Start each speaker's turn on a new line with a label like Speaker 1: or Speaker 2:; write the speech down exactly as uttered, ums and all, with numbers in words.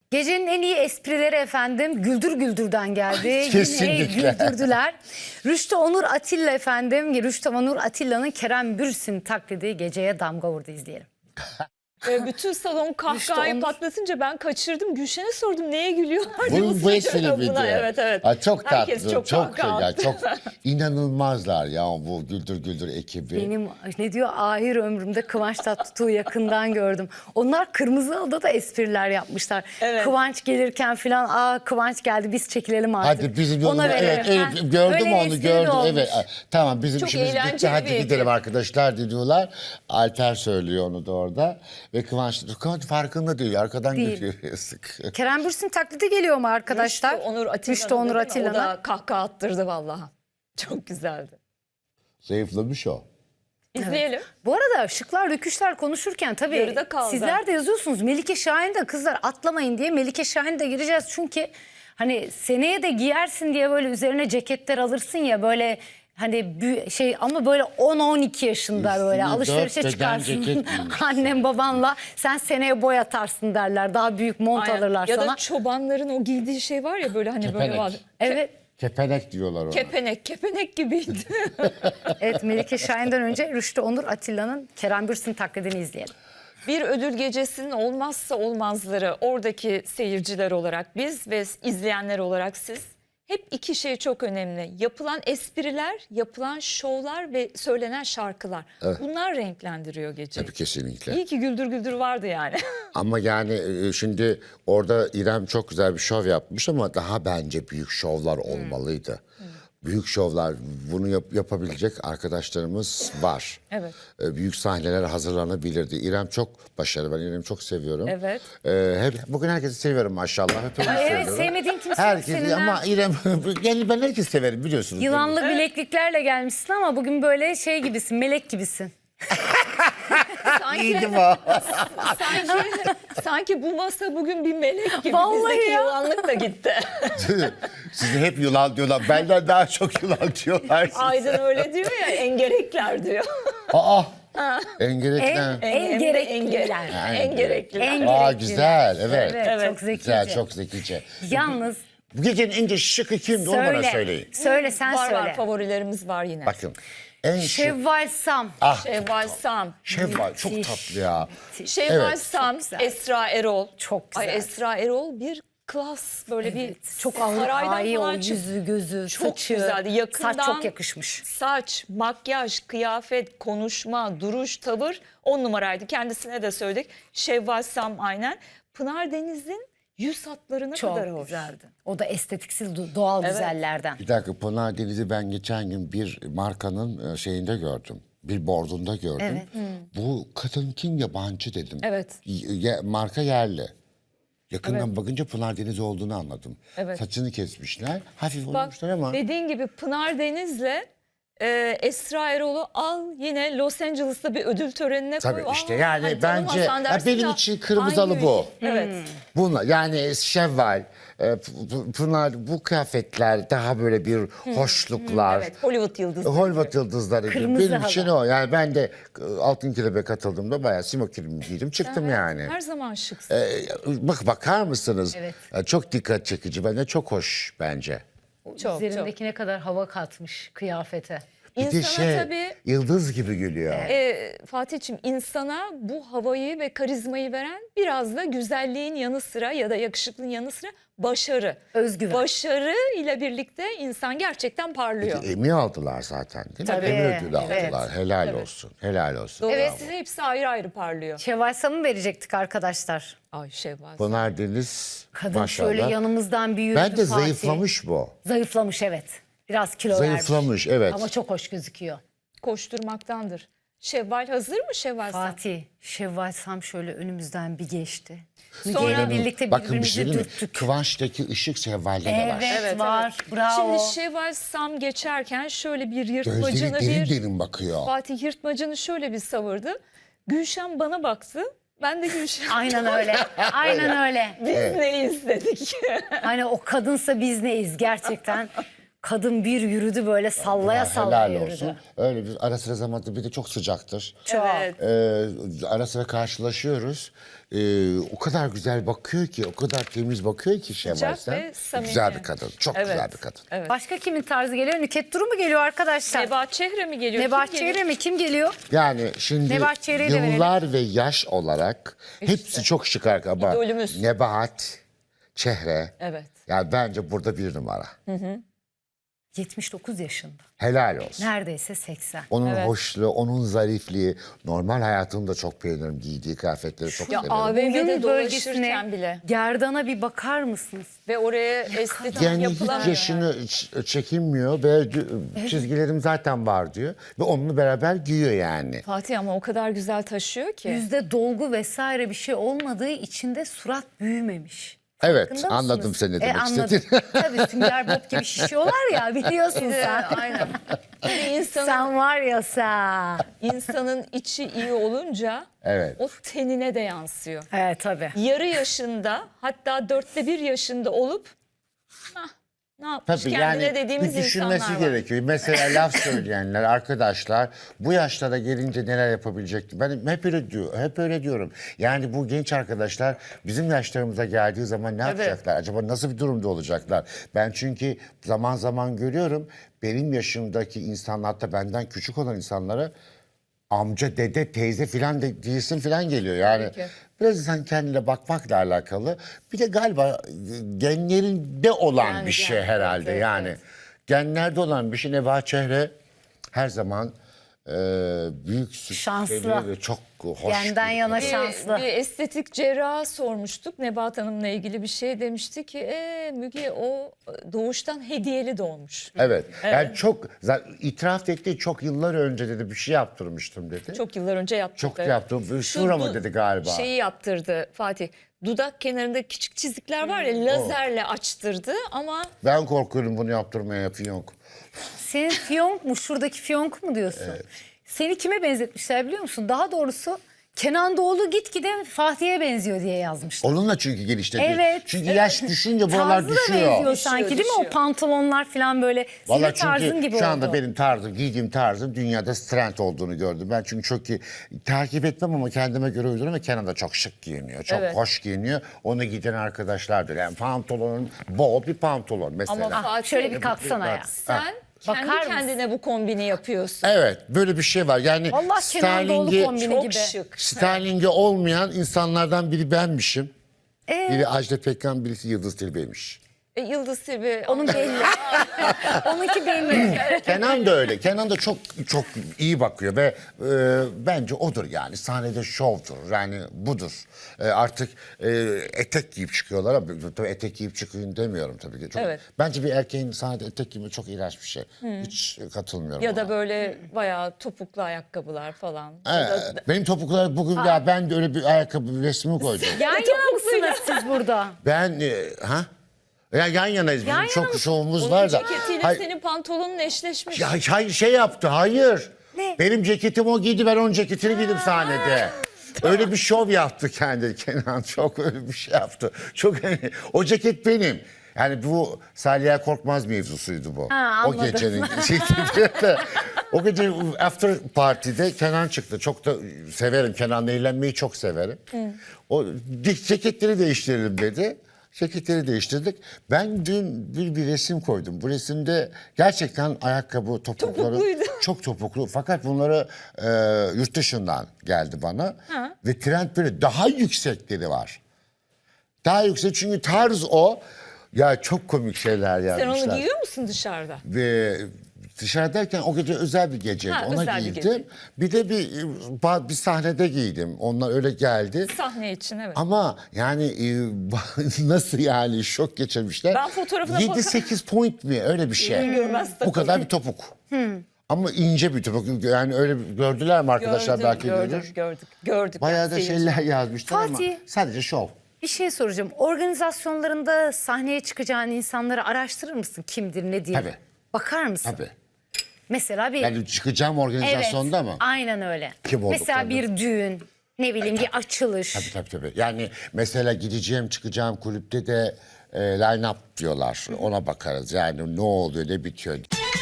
Speaker 1: Gecenin en iyi esprileri efendim Güldür Güldür'den geldi.
Speaker 2: Kesinlikle.
Speaker 1: Yine güldürdüler. Rüştü Onur Atilla efendim. Rüştü Onur Atilla'nın Kerem Bürsin taklidi geceye damga vurdu, izleyelim.
Speaker 3: Ee, bütün salon kahkahayı
Speaker 1: Onur.
Speaker 3: patlatınca ben kaçırdım. Gülşen'e sordum neye gülüyorlar diye.
Speaker 2: Bu, bu espri miydi?
Speaker 3: Evet evet.
Speaker 2: Aa, çok
Speaker 3: Herkes
Speaker 2: tatlı.
Speaker 3: çok
Speaker 2: Çok,
Speaker 3: kahkaha
Speaker 2: ya,
Speaker 3: attı.
Speaker 2: çok inanılmazlar ya bu Güldür Güldür ekibi.
Speaker 1: Benim ne diyor ahir ömrümde Kıvanç Tatlıtuğ'u yakından gördüm. Onlar Kırmızı Halı'da da espriler yapmışlar.
Speaker 3: Evet.
Speaker 1: Kıvanç gelirken falan aa Kıvanç geldi biz çekilelim artık.
Speaker 2: Hadi bizim
Speaker 1: Ona
Speaker 2: yolumuza, evet,
Speaker 1: verelim.
Speaker 2: evet,
Speaker 1: Ha,
Speaker 2: gördüm
Speaker 1: öyle
Speaker 2: onu
Speaker 1: espri
Speaker 2: gördüm
Speaker 1: olmuş.
Speaker 2: evet. Tamam bizim
Speaker 3: Çok
Speaker 2: işimiz bitti,
Speaker 3: eğlenceli
Speaker 2: hadi
Speaker 3: bir
Speaker 2: gidelim
Speaker 3: ekip.
Speaker 2: arkadaşlar diyorlar. Alper söylüyor onu da orada ve Kıvanç, Kıvanç farkında değil, arkadan
Speaker 1: Değil.
Speaker 2: gülüyor yazık.
Speaker 1: Kerem Bürsin taklidi geliyor mu arkadaşlar?
Speaker 3: Rüştü Onur Atilla'nın.
Speaker 1: Rüştü Onur
Speaker 3: değil mi? O
Speaker 1: Atilla'nın.
Speaker 3: da kahkaha attırdı vallahi. Çok güzeldi.
Speaker 2: Zayıflamış o.
Speaker 3: İzleyelim.
Speaker 1: Bu arada şıklar rüküşler konuşurken tabii
Speaker 3: Yarıda kaldı.
Speaker 1: sizler de yazıyorsunuz. Melike Şahin de kızlar atlamayın diye Melike Şahin de gireceğiz. Çünkü hani seneye de giyersin diye böyle üzerine ceketler alırsın ya böyle hani bü- şey ama böyle on on iki yaşında böyle
Speaker 2: Üstüne
Speaker 1: alışverişe
Speaker 2: dört beden
Speaker 1: çıkarsın.
Speaker 2: ceket giymişsin.
Speaker 1: Annem babanla sen seneye boy atarsın derler. Daha büyük mont
Speaker 3: Aynen.
Speaker 1: alırlar
Speaker 3: ya
Speaker 1: sana.
Speaker 3: da çobanların o giydiği şey var ya böyle hani böyle
Speaker 2: Kepenek.
Speaker 3: var.
Speaker 1: Evet.
Speaker 2: Kepenek diyorlar ona.
Speaker 3: Kepenek, kepenek gibiydi.
Speaker 1: Evet, Melike Şahin'den önce Rüştü Onur Atilla'nın Kerem Bürsin taklidini izleyelim.
Speaker 3: Bir ödül gecesinin olmazsa olmazları oradaki seyirciler olarak biz ve izleyenler olarak siz. Hep iki şey çok önemli. Yapılan espriler, yapılan şovlar ve söylenen şarkılar. Bunlar renklendiriyor geceyi.
Speaker 2: Tabii kesinlikle.
Speaker 3: İyi ki Güldür Güldür vardı yani.
Speaker 2: Ama yani e, şimdi orada İrem çok güzel bir şov yapmış ama daha bence büyük şovlar olmalıydı. Büyük şovlar, bunu yap- yapabilecek arkadaşlarımız var.
Speaker 3: Evet.
Speaker 2: E, büyük sahneler hazırlanabilirdi. İrem çok başarılı, ben İrem'i çok seviyorum.
Speaker 3: Evet.
Speaker 2: E, hep, bugün herkesi seviyorum maşallah. Hepimizi
Speaker 1: Ay, evet,
Speaker 2: seviyorum.
Speaker 1: sevmediğin kimse yok
Speaker 2: Herkesi
Speaker 1: senin, ha?
Speaker 2: ama İrem, yani ben herkesi severim biliyorsunuz. değil mi?
Speaker 1: Yılanlı bilekliklerle gelmişsin ama bugün böyle şey gibisin, melek gibisin.
Speaker 3: Sanki,
Speaker 2: İyiydim o.
Speaker 3: sanki, sanki bu masa bugün bir melek gibi.
Speaker 1: Vallahi
Speaker 3: Bizdeki
Speaker 1: ya.
Speaker 3: yılanlık da gitti.
Speaker 2: Sizi hep yılan diyorlar. Benden daha çok yılan diyorlar. size.
Speaker 3: Aydın öyle diyor ya, engerekler diyor.
Speaker 2: Aa, engerekten.
Speaker 1: En, en
Speaker 3: Hem de
Speaker 1: gerekliler.
Speaker 3: enge- En gerekliler.
Speaker 1: En
Speaker 2: Aa,
Speaker 1: gerekliler.
Speaker 2: güzel, evet.
Speaker 1: Evet,
Speaker 3: Evet.
Speaker 1: çok zekice.
Speaker 2: Güzel, çok zekice.
Speaker 1: Yalnız
Speaker 2: Bu gecenin en şıkı kimdi onu bana
Speaker 1: söyle,
Speaker 2: söyleyin.
Speaker 1: söyle sen
Speaker 3: Var
Speaker 1: söyle.
Speaker 3: var, favorilerimiz var yine.
Speaker 2: Bakın. En şık.
Speaker 1: Şevval Sam.
Speaker 2: Ah,
Speaker 3: Şevval Sam.
Speaker 2: Şevval çok tatlı ya.
Speaker 3: Şevval
Speaker 2: Evet.
Speaker 3: Sam,
Speaker 1: güzel.
Speaker 3: Esra Erol.
Speaker 1: Çok güzel.
Speaker 3: Ay, Esra Erol bir klas, böyle bir
Speaker 1: Çok ağır,
Speaker 3: saraydan
Speaker 1: ay, o
Speaker 3: falan çık-
Speaker 1: yüzü, gözü,
Speaker 3: Çok
Speaker 1: saçı.
Speaker 3: güzeldi. Yakından
Speaker 1: Saç çok yakışmış.
Speaker 3: Saç, makyaj, kıyafet, konuşma, duruş, tavır on numaraydı. Kendisine de söyledik. Şevval Sam aynen. Pınar Deniz'in yüz hatları ne
Speaker 1: Çok
Speaker 3: kadar hoş.
Speaker 1: güzeldi. O da estetiksiz do- doğal
Speaker 3: Evet.
Speaker 1: güzellerden.
Speaker 2: Bir dakika, Pınar Deniz'i ben geçen gün bir markanın e, şeyinde gördüm. Bir bordunda gördüm.
Speaker 1: Evet.
Speaker 2: Bu kadın kim, yabancı dedim.
Speaker 3: Evet.
Speaker 2: Y- ye- marka yerli. Yakından bakınca Pınar Deniz olduğunu anladım.
Speaker 3: Evet.
Speaker 2: Saçını kesmişler. Hafif
Speaker 3: Bak
Speaker 2: olmuşlar ama.
Speaker 3: dediğin gibi Pınar Deniz'le e, Esra Erol'u al yine Los Angeles'ta bir ödül törenine
Speaker 2: Tabii
Speaker 3: koy.
Speaker 2: işte
Speaker 3: Aa,
Speaker 2: yani
Speaker 3: hani
Speaker 2: bence
Speaker 3: tanımasan
Speaker 2: ya
Speaker 3: dersin
Speaker 2: benim
Speaker 3: ya,
Speaker 2: için kırmızı halı
Speaker 3: hangi
Speaker 2: bu.
Speaker 3: ülke? Evet.
Speaker 2: Bunlar yani Şevval, e, P- P- Pınar, bu kıyafetler daha böyle bir hoşluklar.
Speaker 3: Evet, Hollywood yıldızı.
Speaker 2: Hollywood yıldızları gibi.
Speaker 1: Kırmızı
Speaker 2: Benim için
Speaker 1: halı.
Speaker 2: o. Yani ben de e, Altın Kelebek'e katıldığımda bayağı simokinimi giydim çıktım
Speaker 3: Evet,
Speaker 2: yani.
Speaker 3: Her zaman şıksın.
Speaker 2: E, bak bakar mısınız?
Speaker 1: Evet.
Speaker 2: E, çok dikkat çekici. Bence çok hoş bence.
Speaker 3: Çok,
Speaker 1: Üzerindeki ne kadar hava katmış kıyafete.
Speaker 2: Bir de
Speaker 3: İnsana
Speaker 2: şey
Speaker 3: tabii
Speaker 2: yıldız gibi gülüyor.
Speaker 3: e, Fatih'ciğim, insana bu havayı ve karizmayı veren biraz da güzelliğin yanı sıra ya da yakışıklığın yanı sıra başarı.
Speaker 1: Özgüven.
Speaker 3: Başarı ile birlikte insan gerçekten parlıyor.
Speaker 2: Emmy aldılar zaten değil mi?
Speaker 1: Tabii,
Speaker 2: Emmy ödülü
Speaker 1: evet.
Speaker 2: aldılar. Helal olsun. Helal olsun.
Speaker 3: Dolayısıyla hepsi ayrı ayrı parlıyor.
Speaker 1: Şevval Sam'ı verecektik arkadaşlar.
Speaker 3: Ay Şevval.
Speaker 2: Pınar Deniz
Speaker 1: Kadın
Speaker 2: maşallah.
Speaker 1: şöyle yanımızdan bir yürüdü
Speaker 2: Bence
Speaker 1: Fatih.
Speaker 2: zayıflamış bu.
Speaker 1: Zayıflamış evet. Biraz kilo
Speaker 2: Zayıflamış,
Speaker 1: vermiş.
Speaker 2: evet.
Speaker 1: Ama çok hoş gözüküyor.
Speaker 3: Koşturmaktandır. Şevval hazır mı Şevval? Sam?
Speaker 1: Fatih, Şevval Sam şöyle önümüzden bir geçti.
Speaker 3: Sonra-
Speaker 1: Sonra birlikte
Speaker 2: Bakın bir
Speaker 1: birbirimizi
Speaker 2: şey diyeyim mi?
Speaker 1: dürttük.
Speaker 2: Kıvanç'taki ışık Şevval'de de
Speaker 1: Evet,
Speaker 2: var.
Speaker 3: Evet,
Speaker 1: var. Bravo.
Speaker 3: Şimdi Şevval Sam geçerken şöyle bir
Speaker 2: Gözleri
Speaker 3: yırtmacını
Speaker 2: derin
Speaker 3: bir...
Speaker 2: derin bakıyor.
Speaker 3: Fatih yırtmacını şöyle bir savurdu. Gülşen bana baktı. Ben de Gülşen.
Speaker 1: Aynen öyle. Aynen öyle.
Speaker 3: Biz neyiz dedik.
Speaker 1: Hani o kadınsa biz neyiz gerçekten. Kadın bir yürüdü böyle sallaya
Speaker 2: Ya,
Speaker 1: sallaya
Speaker 2: helal
Speaker 1: yürüdü.
Speaker 2: olsun. Öyle bir ara sıra zamanda bir de çok sıcaktır.
Speaker 1: Çok.
Speaker 3: Evet.
Speaker 2: Ee, ara sıra karşılaşıyoruz. Ee, o kadar güzel bakıyor ki, o kadar temiz bakıyor ki Şevval
Speaker 3: Sıcak
Speaker 2: Sen.
Speaker 3: ve samimi.
Speaker 2: Güzel bir kadın, çok
Speaker 3: Evet.
Speaker 2: güzel bir kadın.
Speaker 3: Evet.
Speaker 1: Başka kimin tarzı geliyor? Nükhet Duru mu geliyor arkadaşlar?
Speaker 3: Nebahat Çehre mi geliyor?
Speaker 1: Nebahat
Speaker 3: Kim geliyor?
Speaker 1: Çehre mi? Kim geliyor?
Speaker 2: Yani şimdi
Speaker 1: Nebahat Çehre'yi de
Speaker 2: yıllar ve yaş olarak hepsi çok şık ama
Speaker 3: İdolümüz.
Speaker 2: Nebahat, Çehre.
Speaker 3: Evet.
Speaker 2: Yani bence burada bir numara.
Speaker 1: yetmiş dokuz yaşında.
Speaker 2: Helal olsun.
Speaker 1: Neredeyse seksen.
Speaker 2: Onun
Speaker 3: Evet.
Speaker 2: hoşluğu, onun zarifliği. Normal hayatımda çok beğenirim. Giydiği kıyafetleri çok
Speaker 3: Ya
Speaker 2: severim.
Speaker 3: A V M'de
Speaker 1: Boyun
Speaker 3: dolaşırken
Speaker 1: bölgesine,
Speaker 3: bile.
Speaker 1: gerdana bir bakar mısınız?
Speaker 3: Ve oraya estetik
Speaker 2: Yani hiç
Speaker 3: yapılamıyor.
Speaker 2: yaşını ç- çekinmiyor ve dü- çizgilerim zaten var diyor. Ve onunla beraber giyiyor yani.
Speaker 3: Fatih ama o kadar güzel taşıyor ki.
Speaker 1: Yüzde dolgu vesaire bir şey olmadığı için de surat büyümemiş.
Speaker 2: Evet,
Speaker 1: Farkında
Speaker 2: anladım
Speaker 1: mısınız?
Speaker 2: seni ne demek
Speaker 1: anladım.
Speaker 2: istediğini.
Speaker 1: Tabii Sünger Bob gibi şişiyorlar ya biliyorsun sen.
Speaker 3: Aynen. Bir insanın,
Speaker 1: Sen var ya sen.
Speaker 3: insanın içi iyi olunca
Speaker 2: Evet.
Speaker 3: o tenine de yansıyor.
Speaker 1: Evet tabii.
Speaker 3: Yarı yaşında hatta dörtte bir yaşında olup "Hah, ne yapmış
Speaker 2: Tabii
Speaker 3: kendine
Speaker 2: yani
Speaker 3: dediğimiz
Speaker 2: bir düşünmesi
Speaker 3: insanlar var.
Speaker 2: gerekiyor. Mesela laf söyleyenler, arkadaşlar bu yaşlara gelince neler yapabilecekti? Ben hep öyle diyor, hep öyle diyorum. Yani bu genç arkadaşlar bizim yaşlarımıza geldiği zaman ne yapacaklar? Acaba nasıl bir durumda olacaklar? Ben çünkü zaman zaman görüyorum benim yaşımdaki insanlar, hatta benden küçük olan insanlara amca, dede, teyze filan de, diyesin filan geliyor. Yani
Speaker 3: Tabii ki.
Speaker 2: biraz insan kendine bakmakla alakalı. Bir de galiba genlerinde olan
Speaker 3: Yani,
Speaker 2: bir şey
Speaker 3: yani,
Speaker 2: herhalde.
Speaker 3: evet, evet,
Speaker 2: yani
Speaker 3: evet.
Speaker 2: genlerde olan bir şey. Nebahat Çehre her zaman e, büyük
Speaker 1: Şanslı.
Speaker 2: süsleri ve çok hoş.
Speaker 1: Genden
Speaker 2: bir
Speaker 1: yana
Speaker 2: kadın.
Speaker 1: şanslı.
Speaker 3: Bir, bir estetik cerraha sormuştuk. Nebahat Hanım'la ilgili bir şey demişti ki e, Müge o doğuştan hediyeli doğmuş.
Speaker 2: Evet. Yani çok zaten itiraf etti, çok yıllar önce dedi bir şey yaptırmıştım dedi.
Speaker 3: Çok yıllar önce yaptırdı.
Speaker 2: Çok yaptım.
Speaker 3: Şu
Speaker 2: Şura mı
Speaker 3: du-
Speaker 2: dedi galiba.
Speaker 3: Şeyi yaptırdı Fatih. Dudak kenarında küçük çizikler var ya lazerle açtırdı ama
Speaker 2: Ben korkuyorum bunu yaptırmaya fiyonk.
Speaker 1: Senin fiyonk mu? Şuradaki fiyonk mu diyorsun? Seni kime benzetmişler biliyor musun? Daha doğrusu Kenan Doğulu gitgide Fatih'e benziyor diye yazmışlar.
Speaker 2: Onunla çünkü gelişti.
Speaker 1: Evet.
Speaker 2: Çünkü yaş düşünce buralar
Speaker 1: Tarzı da
Speaker 2: düşüyor.
Speaker 1: benziyor
Speaker 3: Düşüyor,
Speaker 1: sanki değil mi? O
Speaker 3: düşüyor.
Speaker 1: pantolonlar falan böyle.
Speaker 2: Valla
Speaker 1: Senin tarzın
Speaker 2: çünkü
Speaker 1: gibi
Speaker 2: şu anda
Speaker 1: oldu.
Speaker 2: benim tarzım, giydiğim tarzın dünyada trend olduğunu gördüm. Ben çünkü çok iyi takip etmem ama kendime göre uyduruyorum ve Kenan da çok şık giyiniyor. Çok
Speaker 3: Evet.
Speaker 2: hoş giyiniyor. Onu giydiren arkadaşlardır. Yani pantolonun, bol bir pantolon mesela.
Speaker 3: ama Fatih
Speaker 1: Şöyle bir kalksana ya.
Speaker 3: sen
Speaker 1: Bakar
Speaker 3: kendi
Speaker 1: mısın?
Speaker 3: kendine bu kombini yapıyorsun.
Speaker 2: Evet, böyle bir şey var. Yani
Speaker 1: Allah Kenan Doğulu
Speaker 2: stylingi,
Speaker 1: kombini
Speaker 3: Çok
Speaker 1: gibi.
Speaker 3: şık.
Speaker 2: stylingi olmayan insanlardan biri benmişim.
Speaker 1: Ee?
Speaker 2: Biri Ajda Pekkan, birisi Yıldız Tilbe'ymiş.
Speaker 3: E, Yıldız Tilbe
Speaker 1: Onun belli. Onunki belli.
Speaker 2: Kenan da öyle. Kenan da çok çok iyi bakıyor ve e, bence odur yani. Sahnede şovdur. Yani budur. E, artık e, etek giyip çıkıyorlar ama tabii etek giyip çıkın demiyorum tabii ki. Çok,
Speaker 3: Evet.
Speaker 2: Bence bir erkeğin sahnede etek giymek çok iğrenç bir şey. Hiç katılmıyorum
Speaker 3: ya
Speaker 2: ona.
Speaker 3: da böyle bayağı topuklu ayakkabılar falan. Ya
Speaker 2: Evet.
Speaker 3: da-
Speaker 2: Benim topuklar bugün ya ben de öyle bir ayakkabı resmi koydum.
Speaker 1: Yan yana mısınız siz burada?
Speaker 2: Ben e, ha? Ya yan yanayız. Bizim
Speaker 1: Yan yana
Speaker 2: çok
Speaker 1: mısın?
Speaker 2: şovumuz
Speaker 3: Onun
Speaker 2: var da.
Speaker 3: ceketiyle
Speaker 2: Hayır-
Speaker 3: senin pantolonun eşleşmiş.
Speaker 2: Ya hayır şey yaptı, hayır.
Speaker 1: Ne?
Speaker 2: Benim ceketim o giydi, ben onun ceketini giydim sahnede. Öyle bir şov yaptı kendi Kenan, çok öyle bir şey yaptı. Çok o ceket benim. Yani bu Saliha Korkmaz mevzusuydu bu.
Speaker 1: Ha,
Speaker 2: o
Speaker 1: anladım.
Speaker 2: gecenin o gece after party'de Kenan çıktı. Çok da severim, Kenan'la eğlenmeyi çok severim. O ceketleri değiştirelim dedi. Ceketleri değiştirdik. Ben dün bir, bir resim koydum. Bu resimde gerçekten ayakkabı topukları
Speaker 3: Topukluydu.
Speaker 2: çok topuklu. Fakat bunları e, yurt dışından geldi bana.
Speaker 3: Ha.
Speaker 2: Ve trend böyle daha yüksekleri var. Daha yüksek çünkü tarz o. Ya çok komik şeyler
Speaker 3: Sen
Speaker 2: yazmışlar.
Speaker 3: onu giyiyor musun dışarıda?
Speaker 2: Ve dışarıdayken o gece özel bir geceydi.
Speaker 3: Ha,
Speaker 2: Ona
Speaker 3: özel bir
Speaker 2: giydim.
Speaker 3: gece.
Speaker 2: Bir de bir bir sahnede giydim. Onlar öyle geldi.
Speaker 3: Sahne için evet.
Speaker 2: Ama yani e, nasıl yani şok geçirmişler.
Speaker 3: Ben fotoğrafına
Speaker 2: yedi
Speaker 3: baka-
Speaker 2: sekiz point mi öyle bir şey.
Speaker 3: görmez tabii.
Speaker 2: Bu kadar bir topuk. Ama ince bir topuk. Yani öyle gördüler mi arkadaşlar
Speaker 3: Gördüm,
Speaker 2: belki
Speaker 3: gördüm,
Speaker 2: görür.
Speaker 3: gördük, gördük.
Speaker 2: Bayağı da
Speaker 3: Yani seyirci.
Speaker 2: şeyler yazmışlar
Speaker 1: Fatih.
Speaker 2: ama sadece şov.
Speaker 1: Bir şey soracağım. Organizasyonlarında sahneye çıkacağın insanları araştırır mısın? Kimdir, ne diye?
Speaker 2: Tabii.
Speaker 1: Bakar mısın?
Speaker 2: Tabii.
Speaker 1: Mesela bir...
Speaker 2: Yani çıkacağım
Speaker 1: evet,
Speaker 2: organizasyonda mı?
Speaker 1: aynen öyle.
Speaker 2: Kim
Speaker 1: Mesela
Speaker 2: olduklarını.
Speaker 1: bir düğün, Ne bileyim bir açılış.
Speaker 2: Tabii tabii tabii. Yani mesela gideceğim çıkacağım kulüpte de e, line up diyorlar. Ona bakarız. Yani ne oluyor ne bitiyor.